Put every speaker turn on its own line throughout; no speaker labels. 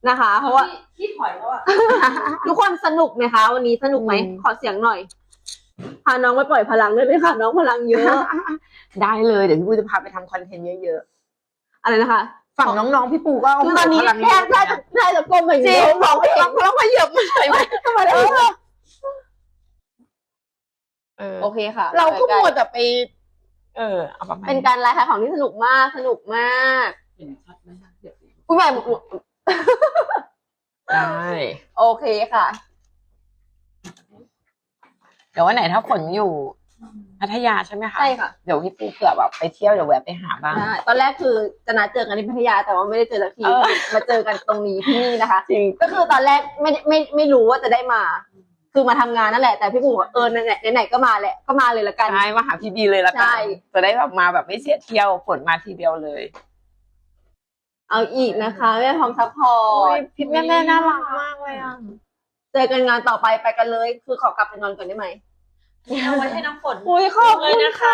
นะคะ เพราะว่า
ที่ถอยแล้วอ่ะ
ทุกคนสนุกไหมคะวันนี้สนุกไหมขอเสียงหน่อยพาน้องไปปล่อยพลังได้ไหมคะน้องพลังเยอะ
ได้เลยเดี๋ยวพี่ปูจะพาไปทำคอนเทนต์เยอะ
อะไรนะคะ
ๆฝั่งน้องๆพี่ปูก็
คือตอนนี้แค่ได้จะก้มอย่างเดียวมองไม่เห็น
แล้วขยับมาเลยไหม
ทำไมล่ะโอเคค่ะ
เราก็มัวแต่ไปเอาประมาณ
เป็นการไลฟ์ขายของที่สนุกมาก
เห็นชัดไหมคะเดี๋ยว
ผู้ใหญ่
ได้
โอเคค่ะ
เดี๋ยววันไหนถ้าฝนอยู่พัทยาใช่ไหมคะ
ใช่ค่ะ
เดี๋ยวพี่ปูเผื่อแบบไปเที่ยวเดี๋ยวแวะไปหาบ้าง
ได้ตอนแรกคือจะนัดเจอกันที่พัทยาแต่ว่าไม่ได้เจอสักที มาเจอกันตรงนี้ที่นี่นะคะ
จริง
ก็คือตอนแรกไม่รู้ว่าจะได้มา คือมาทำงานนั่นแหละแต่พี่ปูบอกไหนก็มาแหละก็มาเลยละกัน
ใช่มาหาพี่บีเลยละกั
ใช่
จะได้แบบมาแบบไม่เสียเที่ยวฝนมาทีเดียวเลย
เอาอีกนะคะแม่พร้อมซัพพอร์ต
พี่แม่น่ารักมากเลยอ่ะ
เจอกันงานต่อไปไปกันเลย คือขอกลับไปนอนก่อนได้ไหม
เอาไว้ให้น้ำฝน
อุ้ยขอบ
เล
คุ
ย
ณ
นะคะ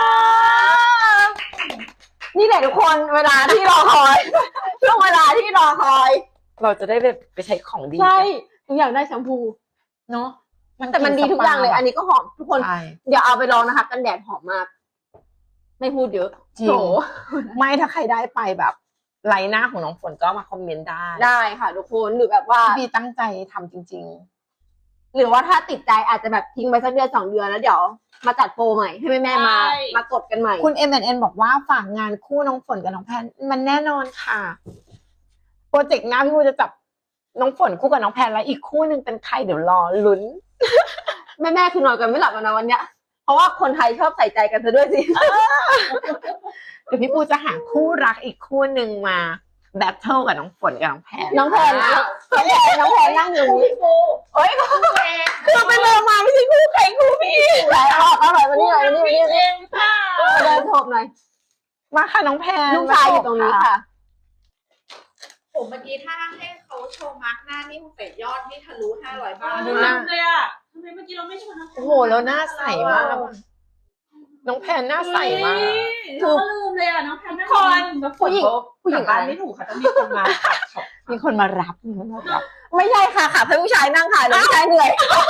นี่แหละทุกคนเวลาที่รอคอย ช่วงเวลาที่รอคอย
เราจะได้ไปใช้ของดี
ใช่หนูอยากได้แชมพู
เนาะ
แต่มันดีทุกอย่างเลย อันนี้ก็หอมทุกคน
ใช่
อย่าเอาไปลองนะคะ กันแดดหอมมาก ไม่พูดเยอะ
จริง
โถ
ไม่ถ้าใครได้ไปแบบไลน์หน้าของน้องฝนก็มาคอมเมนต์ได้
ได้ค่ะทุกคนหรือแบบว่า
พี่บีตั้งใจทำจริง
หรือว่าถ้าติดใจอาจจะแบบทิ้งไปสักเดือน2 เดือนแล้วเดี๋ยวมาจัดโปรใหม่ให้แม่ๆมากดกันใหม่
ๆ คุณ MNN บอกว่าฝากงานคู่น้องฝนกับน้องแพนมันแน่นอนค่ะ โปรเจกต์หน้าพี่บูจะจับน้องฝนคู่กับน้องแพนแล้วอีกคู่หนึ่งเป็นใครเดี๋ยวรอลุ้น
แม่คือนอนกันไม่หลับแล้วนะวันเนี้ยเพราะว่าคนไทยชอบใส่ใจกันซะด้วยสิ
เดี๋ยวพี่ปูจะหาคู่รักอีกคู่หนึ่งมาแบทเทิลกับน้องฝนกับน้องแพน
น้องแพนนั่งอยู่นี่
พี่ปู
เอ้ยคือไปเดินมาไม่ใช่คู่ใครคู่พี่ไหนออกมาหน่อยมานี่หน่อยมานี่
เองค่ะ
เดินโฉบหน่อย
มาค่ะน้องแพน
ลูกชายอยู่ตรงนี้ค่ะ
ผมเมื่อกี้ถ้าให้เขาโชว์มาร์กหน้านี่คงเป็ดยอดนี่ทะลุ500 บาท
ดูนะเลยอ่ะทำไมเมื่อกี้เราไม่ชวนน้ำฝน
โอ้โหแล้วหน้าใสมากน้องแพนหน้าใสมาก
คือลืมเลยอ่ะน้องแพนทุกคน
ผู้หญิงอะไร
บ้านไม่ถูกค่ะต้องมีคนมาตัดช็อป
มีคนมารับ
ไม่ใช่ค่ะค่ะให้ผู้ชายนั่งค่ะเดี๋ยวผู้ชายเหนื่อย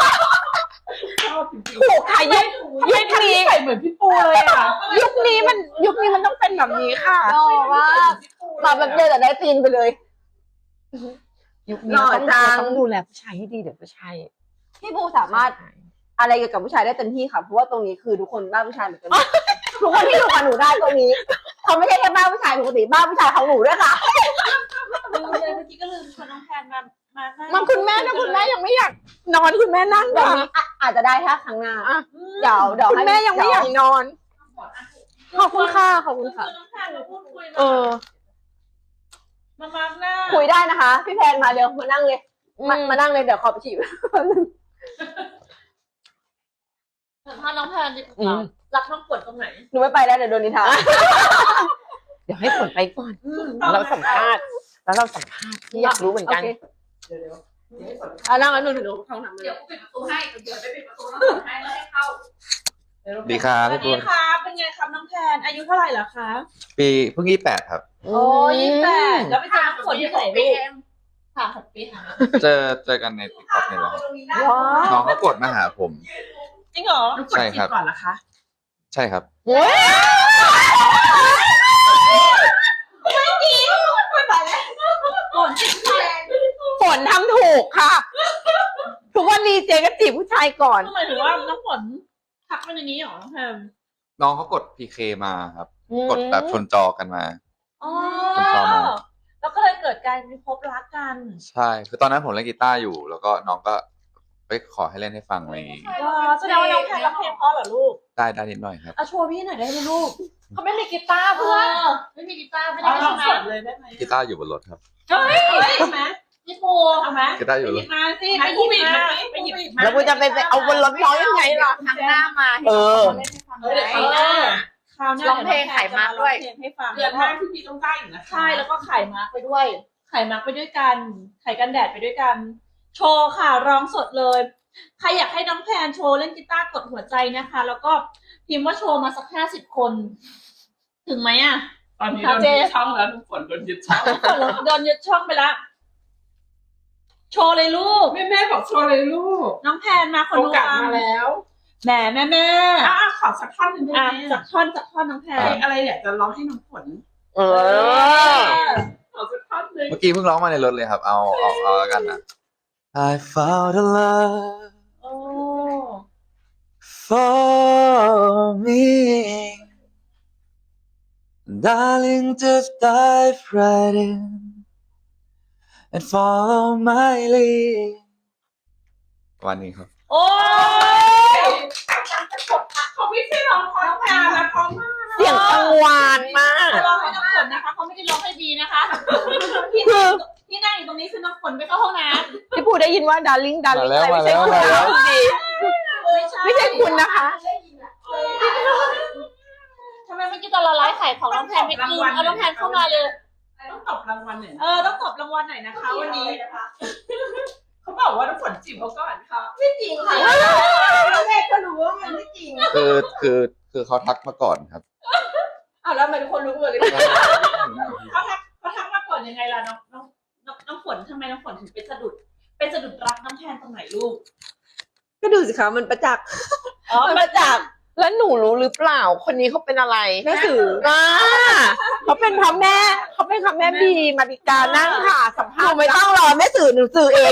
ถูกค่ะยุค
ไม่ทันใส่เหมือนพี่ปูเลยอ่ะ
ยุคนี้มันต้องเป็นแบบนี้ค่ะ
โอ้ว่ามาแบบเดียวแต่ได้ตีนไปเลย
ยุคนี้
หล่อจัง
ต้องดูแลผู้ชายให้ดีเดี๋ยวผู้ชาย
พี่ปูสามารถอะไรเกี่ยวกับผู้ชายได้เต็มที่ค่ะเพราะว่าตรงนี้คือทุกคนบ้าผู้ชายเหมือนกันทุกคนที่อยู่กับหนูได้ตรงนี้เขาไม่ใช่แค่บ้าผู้ชายปกติบ้าผู้ชายของหนูด้วยค่ะ
ลืมเลยเมื่อกี้ก็ลืมชวนน้องแพนมา
มาคุณแม่นะคุณแม่ยังไม่อยากนอนคุณแม่นั่ง
เดี๋ยว
ค่ะ
นี้อาจจะได้ถ้าครั้งหน้า
อ่ะ
เดี๋ยว
คุณแม่ยังไม่อยากนอน
ขอบคุณค่ะขอบคุณค่ะ
น้องแพนมาพูดคุย มาร์กหน้า
คุยได้นะคะ พี่แพนมาเดี๋ยวมานั่งเลยมานั่งเลยเดี๋ยวขอไปฉีด
สัมภาษณ์น้องแพนดิรักน้องฝนตรงไหน
หนูไม่ไปแล้วเดี๋ยวโดนนินทา
เดี๋ยวให้ฝนไปก่อนแล้วเราสัมภาษณ์ที่อยากรู้เหมือนกัน
โค
เดี๋ยว
นั่งแล้วหนูถึงห้องน้ำเลย
เดี๋ยวกูปิดประตูให้เดี๋ยวไปปิดประตูแล้วกดให้แล้วให้เข้า
ดีครับ
สวัสดีค่ะเป็นไงครับน้องแพนอายุเท่าไหร่แล้วคะ
ปีเพิ่ง28ครับ
โอ้28แล้วไปเจอน้องฝนที่ไหนลูกค่ะ6 ปีค่ะ
เจอกันในติ๊กต็อกนี่แหละครับ
ว้าว
น้องเขากดมาหาผม
จริงเหรอ
ใช่ครับ
ก่อนนะคะ
ใช่ครับ
ฝนทำถูกค่ะ ทุกวันนี้เจก็จีบผู้ชายก่อน
ทำไมถึงว่าน้องฝนทักมาอย่างนี้เหรอน้องแพน
น้องเขากด PK มาครับ กดแบบชนจอกันมา
อ๋อ
ผมชอบมาก
แล้วก็เลยเกิดการพบรักกัน
ใช่ คือตอนนั้นผมเล่นกีตาร์อยู่ แล้วก็น้องก็ไปขอให้เล่นให้ฟังอะไรอย่างงี้
แสดงว่าน้องแพนร้องเพลงเพราะเหรอลูก
ได้นิดหน่อยครับ
เอาโชว์พี่หน่อยได้ไหมลูกเขาไม่มีกีตาร์เพื่อนไม่มีกีตาร์ไม่ได้ร้องสดเลยได้ไหม
กีตาร์อยู่บนรถครับ
เฮ้ยใช่ไหมพี่ปูเอาไหม
กีตาร์อยู่บนรถ
มาสิไปหยิบมาไปหยิบมา
แล้วกูจะไปเอาบนรถน้องยังไงล่ะ
ทางหน้ามา
เออ
เล่นให้ฟัง
เดี๋ยว
ได้
คราวหน้า
ร้องเพลงขายมาร์คด้วย
ร้องเพลงให้ฟัง
เดือนหน้าที่พี่ต้องได้อยู่นะ
ใช่แล้วก็ขายมาร์กไปด้วยขายมาร์กไปด้วยกันขายกันแดดไปด้วยกัน โชว์ค่ะร้องสดเลยใครอยากให้น้องแพนโชว์เล่นกีตาร์กดหัวใจนะคะ แล้วก็พิมพ์ว่าโชว์มาสัก50 คน ถึงไหมอ่ะ
ตอนนี้โดนยึดช่องแล้วทุกคนโดนยึดช่อง
โดนยึดช่องไปแล้วโชว์เลยลูก
แม่บอกโชว์เลยลูก
น้องแพนมาคน
โอ
ดู
กาสมาแล้ว
แหมแม่
ขอสักท่อนหนึ่งได้
อ่ะ
ไหม
จากท่อนน้องแพ
เพล
น
งอะไรอยากจะร้องให้น้องฝน
เออ
ขอสักท่อนหนึ่ง
เมื่อกี้เพิ่งร้องมาในรถเลยครับ เอาแล้วกันนะ I found a love
โอ้
for me darling just dive right in and follow my lead วันนี้ครับ
โอ้ย
เขาไม่ใช่ร้องเพราะน้องแพนนะเพราะมาก
เสียงกังวานมาก
ร้องให้น้องฝนนะคะเขาไม่ได้ร้องให้บีนะคะที่นั่งอยู่ตรงนี้คือน้องฝนไปเข้าห้องน้ำ
พี่ปูได้ยินว่าดาร์ลิงดาร์ลิงอะไร
มา
ไม่
แล้
ใช่
ว
คุณ
มาแล้ว
นะดีไม่ใช่คุณนะคะ
ทำไมเมื่อกี้ตอนเราไลฟ์ขายของน้องแพนไม่ลืมเอาน้องแพนเข้ามาเลย
ต้องตบรางวัลหน่อย
ต้องตบรางวัลหน่อยนะคะวันนี้
เขาบอกว่าน้องฝนจีบเขาก่อนค่ะ
ไม่จริงค่ะแรกก็รู้ว่ามันไม่จริง
คือเขาทักมาก่อนครับ
อ้าวแล้วทำไมทุกคนรู้หมดเลย
เขาทักมาก่อนยังไงล่ะน้องฝนทำไมน้องฝนถึงเป็นสะดุดรักน้องแพนตรงไหนลูก
ก็ดูสิคะมันประจักษ์มันประจักษ์
แล้วหนูรู้หรือเปล่าคนนี้เขาเป็นอะไร
แม่สื่อ
เขาเป็นพระแม่บีมาริกานั่งค่ะสัม
ห
ภา
นู
ษณ์
ไม่ต้องรอแม่สื่อหนูสื่อเอง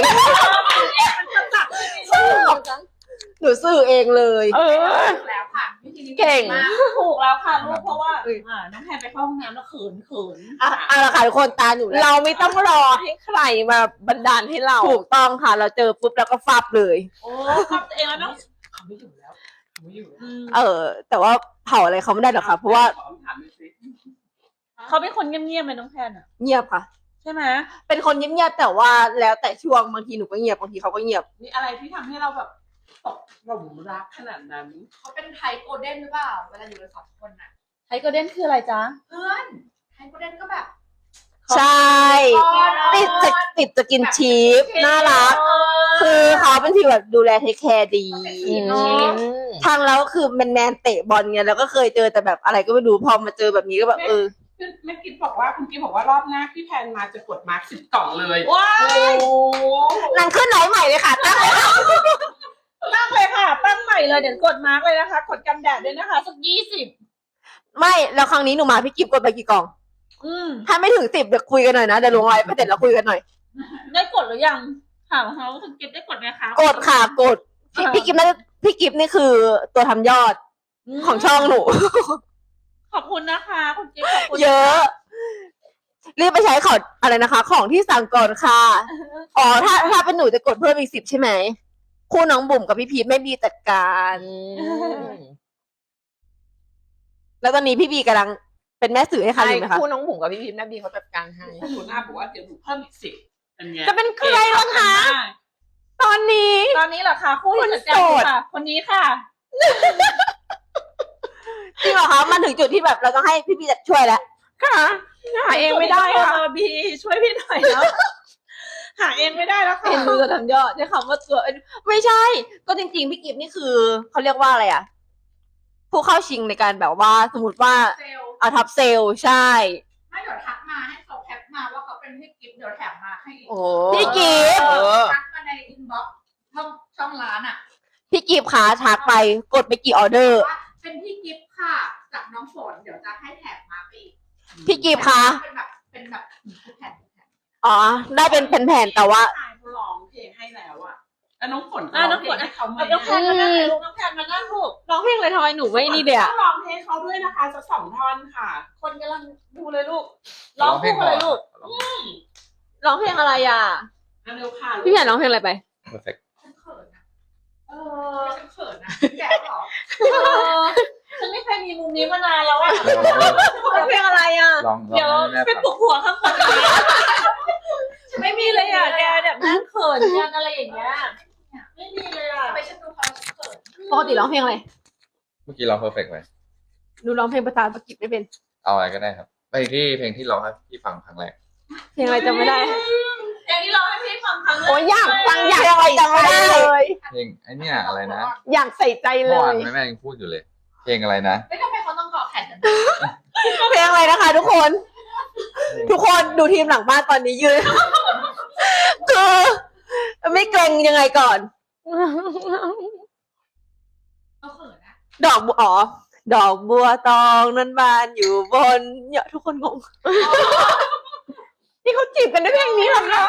หนูสื่อเองเลย
แล้วค่ะวิธีนี้
เก่ง
มาก
ถูกแล้วค่ะลูกเพราะว่าน้องแพนไปเข้าห้องน้ำแล้วเขิน
เอาละค่ะทุกคนตาหนูแล้ว
เราไม่ต้องรอให้ใครมาบันดาลให้เรา
ถูกต้องค่ะ เราเจอปุ๊บแล้วก็ฟับเลย
โอ้ทำตัวเองแล้วน้อง
เขาไม่อยู่แล้วเขาไม่อยู่แล้ว
แต่ว่าเผาอะไรเขาไม่ได้หรอกค่ะ เพราะว่า
ขอคำถามหน่อยสิ
เขาเป็นคนเงียบๆไหมน้องแพนอ่ะ
เงียบค่ะ
ใช่ไหม
เป็นคนเงียบๆแต่ว่าแล้วแต่ช่วงบางทีหนูก็เงียบบางทีเขาก็เงียบ
มีอะไรที่ทำให้เราแบบตกหลุมรักขนาดนั้น
เขาเป็นไทยโกลเด้นหรือเปล่า เวลาอยู่กันสองคนน่ะ
ไทโกเด้นคืออะไรจ๊ะ
เพื่อนไทยโกลเด้นก็แบบ
ใช่ ติดจะกินชีฟน่ารัก คือเขาเป็นทีแบบดูแลเทคแคร์ดี ทางแล้วคือแมนๆเตะบอลไงแล้วก็เคยเจอแต่แบบอะไรก็ไม่รู้พอมาเจอแบบนี้ก็แบบ
คือแม่กิ๊บบอกว่าคุณกิ๊บบอกว่ารอบหน้าพี่แพนมาจะกดมาร์ค10 กล่องเลย
ว้าย
นางขึ้นไหนใหม่เลยค่ะตั้ง
ตั้งเลยค่ะ ตั้งใหม่เลยเดี๋ยวกดมาร์กเลยนะคะ กดกันแดดด้วยนะคะสัก20
ไม่แล้วครั้งนี้หนูมาพี่กิฟกดไปกี่กล่อง ถ้าไม่ถึง10เดี๋ยวคุยกันหน่อยนะเดี๋ยวลงไลน์ไปเสร็จแล้วคุยกันหน่อย
ได้กดหรือยังถามเขาคุณกิฟได้กดไหมคะ
กดค่ะกดพี่กิฟนี่คือตัวทำยอดของช่องหนู
ขอบคุณนะคะคุณกิฟขอบคุณ
เยอะ รีบไปใช้ของอะไรนะคะ ของที่สั่งก่อนค่ะ อ๋อถ้าเป็นหนูจะกดเพิ่มอีก10ใช่ไหมคู่น้องบุ๋มกับพี่พีทไม่มีจัดการ แล้วตอนนี้พี่บีกำลังเป็นแม่สื่อให้ใครอยู่ไหมคะ
คู่น้องบุ๋มกับพี่พิมพ์แม่บีเขาจัดการให้
หนูหน้าบอกว่าเดี๋ยวหนูเพิ่มอีก10เป็นไง
จะเป็นใครล่ะคะ ตอนนี้
ตอนนี้เหรอคะคู่ที่จัดการอยู่ค่ะ คนนี้ค่ะ
จริงเหรอคะมันถึงจุดที่แบบเราต้องให้พี่บีช่วยแล้ว
ค่ะหาเองไม่ได้ค่ะ
บีช่วยพี่หน่อยแล้วหาเองไม่ได้แล้วค่ะ
เอ็นดูตัวทำยอดใช้คำว่าตัวไม่ใช่ ก็จริงๆพี่กิฟนี่คือเขาเรียกว่าอะไรอ่ะ ผู้เข้าชิงในการแบบว่าสมมติว่า
เซลล์
เอาทับเซลใช่
ไม่เดี๋ยวทักมาให้เขาแคปมาว่าเขาเป็นพี่กิฟต์เดี๋ยวแถมมาให้อีก
โอ้
พี่กิฟต์
ทักมาในอินบ็อกซ์ช่องร้านอ่ะ
พี่กิฟขาทักไปกดไปกี่ออเดอร์
ว่าเป็นพี่กิฟต์ค่ะจากน้องฝนเดี๋ยวจะให้แถมมาไปอีก
พี่กิฟคะ
เป็นแบบแผ่น
อ๋อ ได้เป็นแผ่นๆแต่ว่า
ชายเขาร้องเพลงให้แล้วอะแล้วน้องฝน
น้องฝน
ให้เขาไหม
น้องแพนมานั่งลูกน้องแพนมานั่งลูก
ร้องเพลงอะไรทำไมหนูไม่นี่เดีย
ต้องร้องเพลงเขาด้วยนะคะจะ2 ท่อนค่ะ
คนกำลังดูเลยลูกร้องคู่เลยลูก
ร้องเพลงอะไรอ่ะ
เร็วค่ะ
พี่แผ่นร้องเพลงอะไรไป
perfect
ฉันเขินนะ
ฉัน
เขินนะแกเหรอ
ฉันไม่เคยมีมุมนี้มานานแล้วอะ
ร้องเพลงอะไรอ่ะ
ลอง
เดี๋ยว
ให้แม่
ไป
ฟัง
ปลุกหัวข้างบนเลยไม่มีเลยอ่ะแกแบบนั่งเขินกันอะไรอย่างเงี้ยไม่มีเลยอ่ะ
ไปฉันดูเขาฉันเขิน
ปกติร้องเพลงอะไร
เมื่อกี้ร้อง perfect ไหม
หนูร้องเพลงภาษาอังกฤษไม่เป็น
เอาอะไรก็ได้ครับไปที่เพลงที่ร้องให้พี่ฟังครั้งแรก
เพลงอะไรจำไม่ได้
เพลงที่ร้องให้พี่ฟังครั้งแรก
โอ้ยอยากฟังอยาก
เพลงอะไรจำไม่ได้เลย
เพลงไอ้เนี่ยอะไรนะ
อยากใส่ใจเล
เมื่อวาน
ย
แม่ยังพูดอยู่เลย เพลงอะไรนะ
ไม่ทำไมเขาต้องเกาะแผ่นกัน
เพลงอะไรนะคะ ทุกคน ทุกคนดูทีมหลังบ้านตอนนี้ยืน คืองยังไงก่อน
ก็เขินนะ
ดอกบัวอ๋อดอกบัวตองนั้นบานอยู่บนเนี่ยทุกคนงง
นี่เขาจีบกันด้วยเพลงนี้เหรอคะ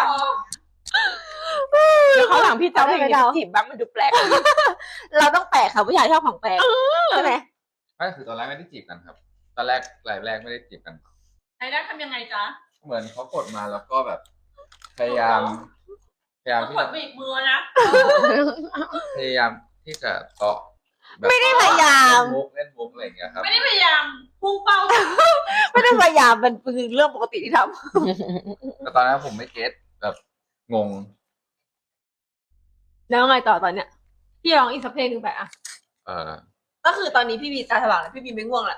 เดี๋ยวเขาวหลังพี่จะเอาเพลงนี้ไปจีบบ้างมันดูแปลก
เราต้องแปลกค่ะผู้ชายชอบของแปลกใช่ไหม
ไม่คือตอนแรกไม่ได้จีบกันครับ ตอนแรกรายแรกไม่ได้จีบกัน
ไอ้ได้ทำยังไงจ๊ะ
เหมือนเขากดมาแล้วก็แบบ พยายาม
ต้อง
ที่
ก
จะ
ดบีบมือนะ
พยายามที่จะเกาะแบบ
ไม่ได้พยายาม
เล่นมุกอะไรอย่างเงี้ยครับ
ไม่ได้พยายามพุ่งเป้า
ไม่ได้พยายามมันคือเรื่องปกติที่ท
แต่ตอนนั้นผมไม่เก็ตแบบงง
ำแล้วไงต่อตอนเนี้ยพี่ร้องอีกสักเพลงหนึ่งไปอ่ะ
เออ
ก็คือตอนนี้พี่บีตาสว่างแล้วพี่บีไม่ง่วงละ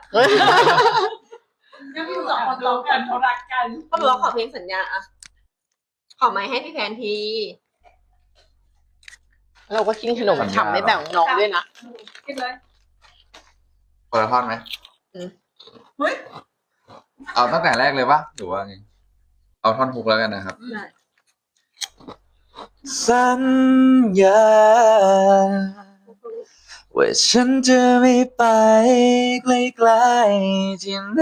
ยังมีสองคน
ดู
ร้อง
กั
กัน น
เขารักกัน
เขาบอกว่าขอเพลงสัญญาอ่ะขอไม้ให้พี่แพนที
เราก็กินขนมฉ่ำไม่แบ่งน้องด้วยนะ
กินเลย
คนละท่อนไหม
เฮ้ย
เอาตั้งแต่แรกเลยปะหรือว่าไง เอาท่อนฮุกแล้วกันนะครับ สัญญาว่าฉันจะไม่ไปไกลๆที่ไหน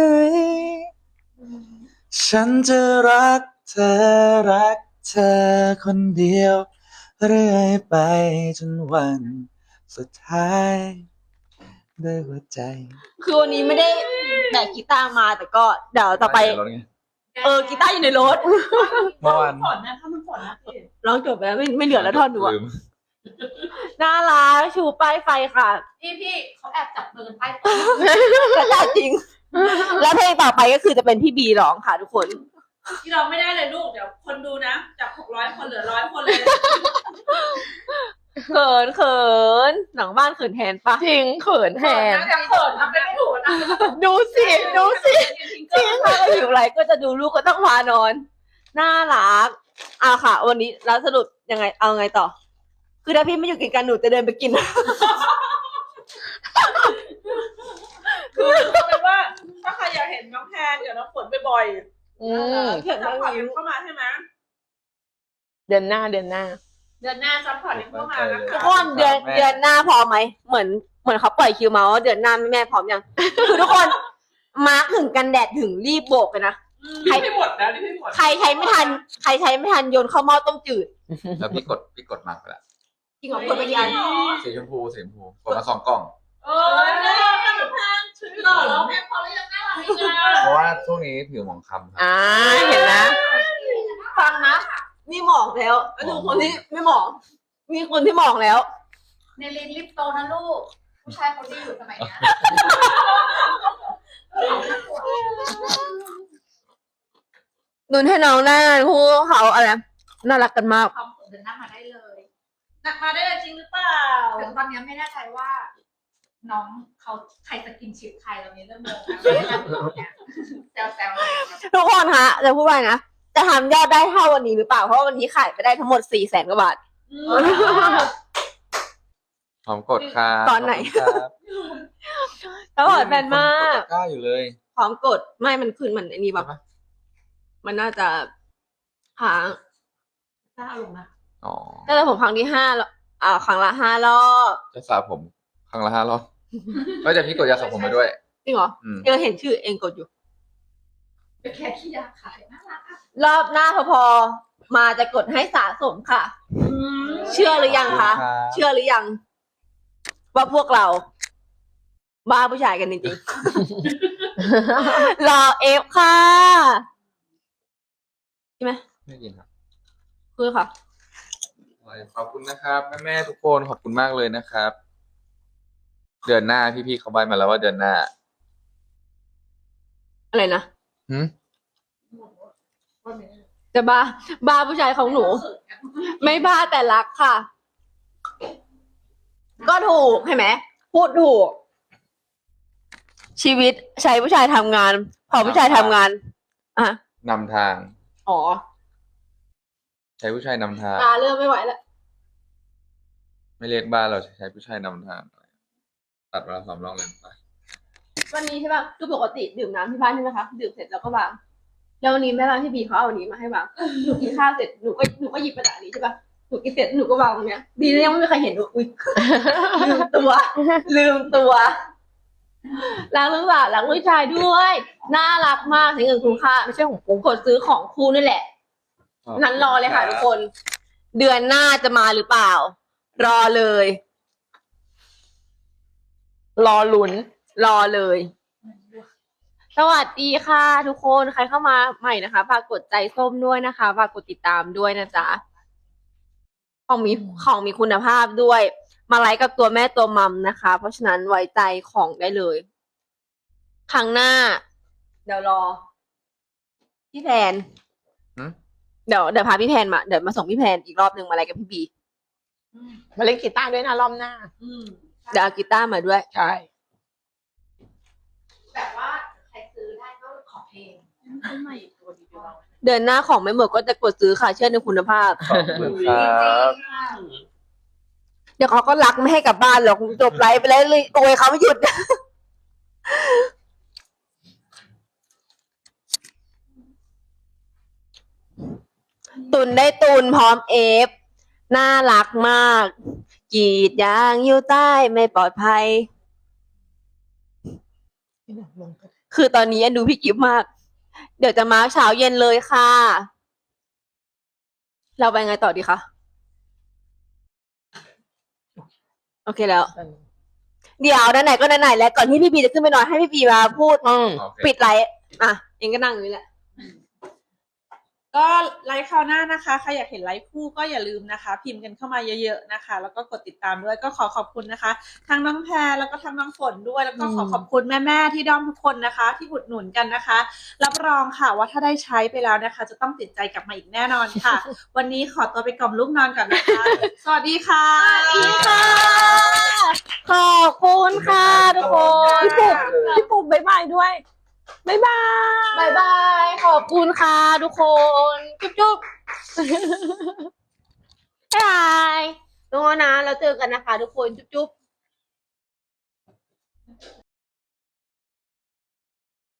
ฉันจะรักเธอคนเดียวเรื่อยไปจนวันสุดท้ายด้วยหัวใจ
คือวันนี้ไม่ได้แบกกีตาร์มาแต่ก็เดี๋ยวต่อไป กีตาร์อยู่ในรถ
เมื่อวาน
ฝนนะถ้ามันฝนนะพี่
ร้องจบไปแล้วไม่เหลือแล้วท่อนหนูอะ
ลืม
น่ารักชูป้ายไฟค่ะ
พี่เขาแอบจับมือกันไป
กระจาจริง แล้วเพลงต่อไปก็คือจะเป็นพี่บีร้องค่ะทุกคน
ที่เราไม่ได้เลยลูกเดี๋ยวคนดูนะจาก600 คนเหลือ100 คนเลย
เขินหลังบ้านเขินแทนปะ
จริงเขินแทน
จะเขินทำเป็นไม่ถูกนะ
ดูสิ
จริงถ้าเราอยู่ไรก็จะดูลูกก็ต้องพานอน น่ารักค่ะ วันนี้แล้วสรุปยังไงเอาไงต่อ คือถ้าพี่ไม่อยู่กินกันหนูจะเดินไปกิน
คือเอาเป็นว่าถ้าใครอยากเห็นน้องแพนกับน้องฝนบ่อย
อืม
ๆซัพพอร์ตกันเข้ามาใช่ไหม
เดือนหน้า
เดือนหน้าซัพพอร์ตกันเข้ามานะ
ทุก
คะ
คนเดือนหน้าพร้อมไหมเหมือนเขาปล่อยคิวมาว่าเดือนหน้าแม่พร้อมยัง คือทุกคนมาร์คถึงกันแดดถึงรีบโบกเลยนะ
นี่ไม่หมดนะนี่ไม่หมด
ใครใช้ไม่ทันโยนเข้าหม้อต้มจืด
แล้วพี่กดมาไปละ
จริงเหรอคนไปยัน
สีชมพูกดมา2 กล่อง
เออน่ารักนะน้องแพนชื่อหล่อแล้วแพนพอแล้วยังน่ารักอีกอ่ะ
เพราะว่าช่วงนี้ผิวหมองคล้ำครับ
อ่า เห็นนะ
ฟังนะนี่หมอกแล้วแล้วดูคนที่ไม่หมอกมีคนที่หมอกแล้ว
ในลินลิปโตนะลูก ผู้ชายเขาดีอยู่สมัยเนี้ย
นุนให้น้องได้คู่เขาอะไรน่ารักกันมาก
ความผมเดินหน้ามาได้เลย
หนักมาได้จริงหรือเปล่า
ถึงตอนนี้ไม่แน่ใจว่า น้องเขาใครจะกินชิปใครเรานี้เริ่มงงแล้วไม่ได้ทำเนี่ยแซวๆเลยครับ
ทุกคนคะจะพูดว่าไงนะจะทำยอดได้เท่าวันนี้หรือเปล่าเพราะว่าวันนี้ขายไปได้ทั้งหมด400,000 กว่าบาท
หอมกดครับ
ตอนไหน
ขบคุณครับ
แล้วบอกแฟนมาก
กล้าอยู่เลย
พร้อมกดไม่มันคืนมันไอ้นี่แบบมันน่าจะค้าง
น่าลงนะ
อ๋อ
น่าจะผมครั้งที่5แล้วครั้งละ5 รอบ
จะสระผมครั้งละ5 รอบก็จะพี่กดยาสระผมมาด้วย
จริงเหรอ
อืม
เห็นชื่อเองกดอยู่
เป็นแค่ขี้ยาขายน่ารักอะ
รอบหน้าพอมาจะกดให้สะสมค่ะ เชื่อหรือยังคะ เชื่อหรือยัง ว่าพวกเรา บ้าผู้ชายกันจริงๆ รอเอฟค่ะใช่ไหม
ไม่กินครับ
คือค่ะ
ขอบคุณนะครับ แม่ๆทุกคนขอบคุณมากเลยนะครับ เดือนหน้าพี่ๆเขาใบมาแล้วว่าเดือนหน้า
อะไรนะ
หืม
จะบ้าผู้ชายของหนู ไม่บ้าแต่รักค่ะ ก็ถูกใช่ไหมพูดถูก ชีวิตใช้ผู้ชายทำงาน พอผู้ชายทำงาน
นำทาง
อ๋อ
ใช้ผู้ชายนำทาง
ตาเริ่มไม่ไหวแล้ว
ไม่เรียกบ้านเราใช้ผู้ชายนำทาง ตัดเวลา3 รอบเลยไป
วันนี้ใช่ป่ะคือปกติดื่มน้ำที่บ้านใช่ไหมคะดื่มเสร็จแล้วก็วางแล้ววันนี้แม่บ้านพี่บีเขาเอาอันนี้มาให้วางหนูกินข้าวเสร็จหนูก็หยิบกระดาษนี้ใช่ป่ะหนูกินเสร็จหนูก็วางตรงเนี้ยดีนะยังไม่มีใครเห็นหนูอุ๊ย ลืมตัว ลืมตัวรักหรือเปล่ารักผู้ชายด้วยน่ารักมากใช้เงินคุ้มค่าไม่ใช่ของกูกดซื้อของคู่นี่แหละ นั้นรอเลยค่ะทุกคน เดือนหน้าจะมาหรือเปล่า รอเลย
รอลุ้น
รอเลย สวัสดีค่ะ ทุกคนใครเข้ามาใหม่นะคะฝากกดใจส้มด้วยนะคะฝากกดติดตามด้วยนะจ๊ะของมีคุณภาพด้วย มาไลฟ์กับตัวแม่ตัวมัมนะคะ เพราะฉะนั้นไว้ใจของได้เลย ครั้งหน้า เดี๋ยวรอ พี่แพน
หืม
เดี๋ยวพาพี่แพนมาเดี๋ยวมาส่งพี่แพนอีกรอบหนึ่งมาไลฟ์กับพี่บี
มาเล่นกีตาร์ด้วยนะรอบหน้า
เดี๋ยวเอากีตาร์มาด้วย
ใช่
แบบว่าใครซื้อได้ก็ขอเพลง
เดือนหน้าของไม่หมดก็จะกดซื้อค่ะเชื่อในคุณภาพ
ขอบคุณครับ
เดี๋ยวเขาก็รักไม่ให้กลับบ้านหรอกจบไลฟ์ไปแล้วเลยโอยเขาไม่หยุด ตุนได้ตุนพร้อมเอฟ น่ารักมากกรีดยางอยู่ใต้ไม่ปลอดภัย คือตอนนี้ดูพี่กิฟต์มาก เดี๋ยวจะมาเช้าเย็นเลยค่ะ เราไปไงต่อดีคะ โอเคแล้ว เดี๋ยวไหนๆก็ไหนๆแล้วก่อนที่พี่บีจะขึ้นไปนอนให้พี่บีมาพูด
โอเค
ปิดไลฟ์อ่ะเองก็นั่งอยู่นี่แหละ
ก็ไลฟ์คราวหน้านะคะใครอยากเห็นไลฟ์คู่ก็อย่าลืมนะคะ พิมพ์กันเข้ามาเยอะๆนะคะ แล้วก็กดติดตามด้วยก็ขอขอบคุณนะคะทั้งน้องแพรแล้วก็ทั้งน้องฝนด้วยแล้วก็ขอขอบคุณแม่ๆที่ด้อมทุกคนนะคะ ที่อุดหนุนกันนะคะ รับรองค่ะว่าถ้าได้ใช้ไปแล้วนะคะ จะต้องติดใจกลับมาอีกแน่นอนค่ะ วันนี้ขอตัวไปกล่อมลูกนอนก่อนนะคะ สวัสดีค่ะ
ขอบคุณค่ะทุกคน
พี่ปุ๊บบ๊ายบายด้วย บ๊ายบาย
บายบายขอบคุณค่ะทุกคนจุ๊บๆบ๊ายบายทุกคนนะเราเจอกันนะคะทุกคนจุ๊บๆ